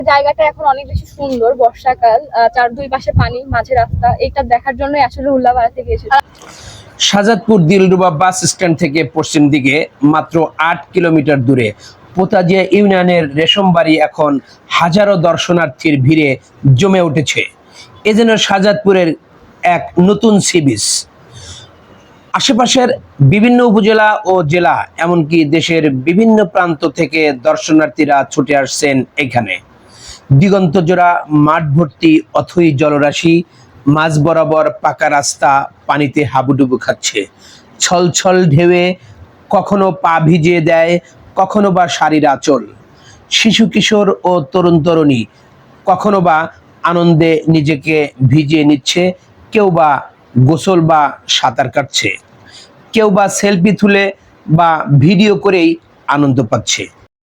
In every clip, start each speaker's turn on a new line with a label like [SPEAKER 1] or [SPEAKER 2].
[SPEAKER 1] জায়গাটা এখন অনেক বেশি সুন্দর, বর্ষাকাল, চার দুই পাশে পানি, মাঝে রাস্তা, এটা দেখার জন্য আসলে উল্লাপাড়া থেকে এসেছি।
[SPEAKER 2] শাহজাদপুর দিলরুবা বাস স্ট্যান্ড থেকে পশ্চিম দিকে মাত্র ৮ কিলোমিটার দূরে পোতাজিয়া ইউনিয়নের রেশমবাড়ি এখন হাজারো দর্শনার্থীর ভিড়ে জমে উঠেছে। এ যেন শাহজাদপুরের এক নতুন সি বিচ। আশেপাশের বিভিন্ন উপজেলা ও জেলা এমনকি দেশের বিভিন্ন প্রান্ত থেকে দর্শনার্থীরা ছুটে আসছেন এখানে। দিগন্ত জোড়া মাঠ ভর্তি অথই জলরাশি, মাঝ বরাবর পাকা রাস্তা পানিতে হাবুডুবু খাচ্ছে। ছলছল ঢেউয়ে কখনো পা ভিজিয়ে দেয়, কখনো বা শাড়ির আঁচল। শিশু কিশোর ও তরুণ তরুণী কখনো বা আনন্দে নিজেকে ভিজিয়ে নিচ্ছে, কেউ বা গোসল বা সাঁতার কাটছে, কেউ বা সেলফি তুলে বা ভিডিও করেই আনন্দ পাচ্ছে।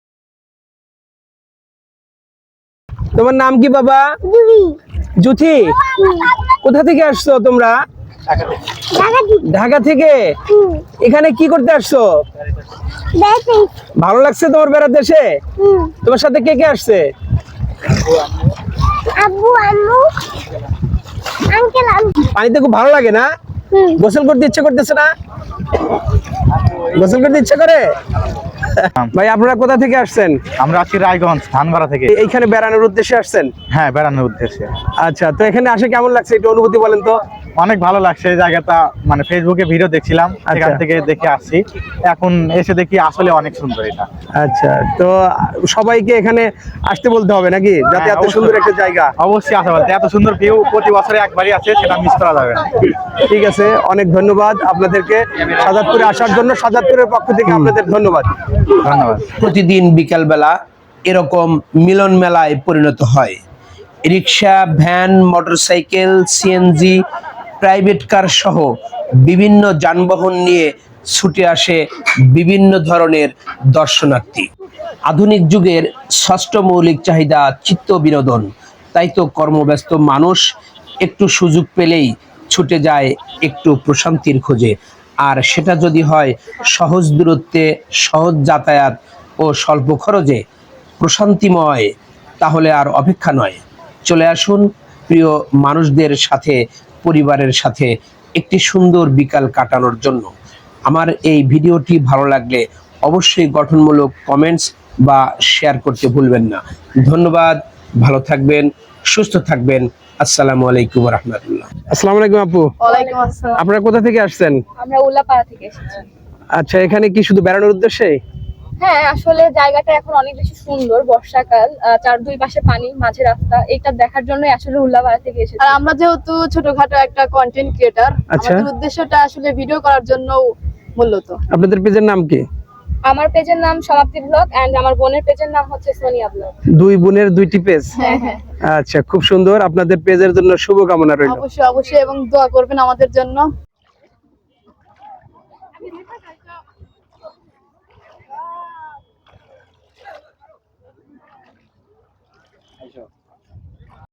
[SPEAKER 2] তোমার নাম কি বাবা? জুথি। কোথা থেকে আসছো তোমরা? ঢাকা থেকে। এখানে কি করতে আসছো? ভালো লাগছে তোমার বেড়াতে এসে? তোমার সাথে কে কে আসছে?
[SPEAKER 3] আব্বু, আম্মু, আঙ্কেল, আন্টি।
[SPEAKER 2] পানিতে খুব ভালো লাগে না? গোসল করতে ইচ্ছে করতেছে না? গোসল করতে ইচ্ছে করে? ভাই আপনারা কোথা থেকে আসছেন?
[SPEAKER 4] আমরা আছি রায়গঞ্জ ধানবাড়া থেকে।
[SPEAKER 2] এইখানে বেড়ানোর উদ্দেশ্যে আসছেন?
[SPEAKER 4] হ্যাঁ, বেড়ানোর উদ্দেশ্যে।
[SPEAKER 2] আচ্ছা, তো এখানে আসে কেমন লাগছে একটু অনুভূতি বলেন তো।
[SPEAKER 4] অনেক ভালো লাগছে এই জায়গাটা, মানে ফেসবুকে ভিডিও দেখছিলাম, সেখান থেকে দেখে আসছি। এখন এসে দেখি আসলে অনেক সুন্দর এটা।
[SPEAKER 2] আচ্ছা, তো সবাইকে এখানে আসতে বলতে হবে নাকি, যাতে এত সুন্দর একটা জায়গা?
[SPEAKER 4] অবশ্যই আসা বলতে, এত সুন্দর ভিউ প্রতি বছরে একবারই আছে, সেটা মিস করা যাবে না।
[SPEAKER 2] ঠিক আছে, অনেক ধন্যবাদ আপনাদেরকে শাহজাদপুরে আসার জন্য। শাহজাদপুরের পক্ষ থেকে আপনাদের ধন্যবাদ।
[SPEAKER 4] ধন্যবাদ।
[SPEAKER 2] প্রতিদিন বিকালবেলা এরকম মিলন মেলায় পরিণত হয়। Rickshaw, van, motorcycle, CNG, private car সহ বিভিন্ন যানবাহন নিয়ে ছুটে আসে বিভিন্ন ধরনের দর্শনার্থী। আধুনিক যুগের ষষ্ঠ মৌলিক চাহিদা চিত্ত বিনোদন। তাই তো কর্মব্যস্ত মানুষ একটু সুযোগ পেলেই ছুটে যায় একটু প্রশান্তির খোঁজে। আর সেটা যদি হয় সহজ দূরত্বে, সহজ যাতায়াত ও স্বল্প খরচে, প্রশান্তিময়, তাহলে আর অপেক্ষা নয়। চলে আসুন প্রিয় মানুষদের সাথে, পরিবারের সাথে একটি সুন্দর বিকাল কাটানোর জন্য। আমার এই ভিডিওটি ভালো লাগলে অবশ্যই গঠনমূলক কমেন্টস বা শেয়ার করতে ভুলবেন না। ধন্যবাদ, ভালো থাকবেন, সুস্থ থাকবেন। আসসালামু আলাইকুম ওয়া রাহমাতুল্লাহ। আসসালামু আলাইকুম আপু।
[SPEAKER 1] ওয়ালাইকুম আসসালাম।
[SPEAKER 2] আপনারা কোথা থেকে আসছেন?
[SPEAKER 1] আমরা উল্লাপাড়া থেকে এসেছি।
[SPEAKER 2] আচ্ছা, এখানে কি শুধু বেড়ানোর উদ্দেশ্যে?
[SPEAKER 1] হ্যাঁ, আসলে জায়গাটা এখন অনেক বেশি সুন্দর, বর্ষাকাল, চার দুই পাশে পানি, মাঝে রাস্তা, এটা দেখার জন্যই আসলে উল্লাপাড়া থেকে এসেছি।
[SPEAKER 5] আর আমরা যেহেতু ছোটখাটো একটা কন্টেন্ট ক্রিয়েটার,
[SPEAKER 2] আচ্ছা।
[SPEAKER 5] আমাদের উদ্দেশ্যটা আসলে ভিডিও করার জন্য মূলত।
[SPEAKER 2] আপনাদের পেজের নাম কি?
[SPEAKER 1] আমার পেজের নাম সমাপ্তি ব্লগ এন্ড আমার বোনের পেজের নাম হচ্ছে সোনিয়া ব্লগ।
[SPEAKER 2] দুই বোনের দুইটি পেজ?
[SPEAKER 1] হ্যাঁ হ্যাঁ।
[SPEAKER 2] আচ্ছা, খুব সুন্দর। আপনাদের পেজের জন্য শুভকামনা রইল।
[SPEAKER 5] অবশ্যই অবশ্যই, এবং দোয়া করবেন আমাদের জন্য।
[SPEAKER 4] আচ্ছা।